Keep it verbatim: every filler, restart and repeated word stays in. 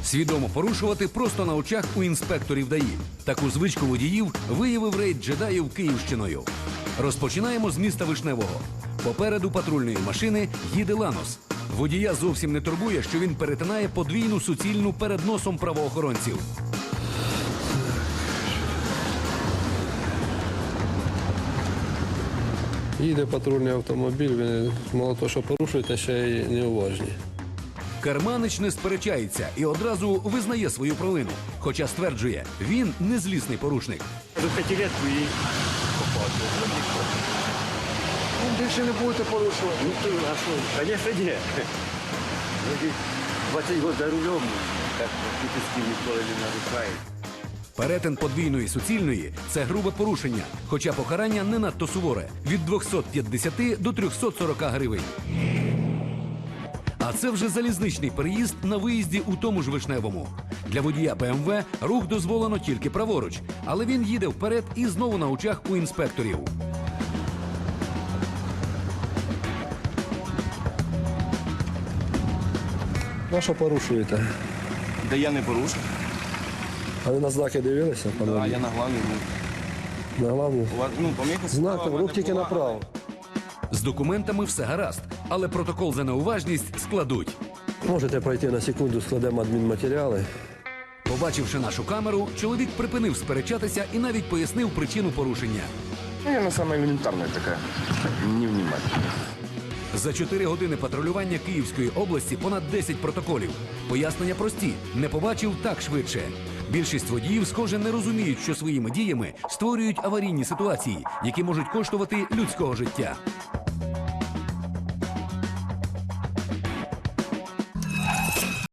Свідомо порушувати просто на очах у інспекторів ДАІ. Таку звичку водіїв виявив рейд джедаїв Київщиною. Розпочинаємо з міста Вишневого. Попереду патрульної машини їде Ланос. Водія зовсім не турбує, що він перетинає подвійну суцільну перед носом правоохоронців. Їде патрульний автомобіль, він мало того, що порушує, ще й неуважні. Керманич не сперечається і одразу визнає свою провину. Хоча стверджує, він не злісний порушник. До п'ятилетку і попав. Ну, більше не будете порушувати. Ну, то, а що? Звісно, ні. двадцять років за рулем, так практично ніколи не нарушає. Перетин подвійної суцільної – це грубе порушення, хоча покарання не надто суворе – від двохсот п'ятдесяти до трьохсот сорока гривень. А це вже залізничний переїзд на виїзді у тому ж Вишневому. Для водія Б М В рух дозволено тільки праворуч, але він їде вперед і знову на очах у інспекторів. На що порушуєте? Да я не порушив. А ви на знаки дивилися? А пане? я на главі. На главну? У вас, ну, помітно, Знаком, рух тільки направо. З документами все гаразд, але протокол за неуважність складуть. Можете пройти на секунду, складемо адмінматеріали. Побачивши нашу камеру, чоловік припинив сперечатися і навіть пояснив причину порушення. Наверное, самая элементарная такая невнимательность. За чотири години патрулювання Київської області понад десять протоколів. Пояснення прості – не побачив так швидше. Більшість водіїв, схоже, не розуміють, що своїми діями створюють аварійні ситуації, які можуть коштувати людського життя.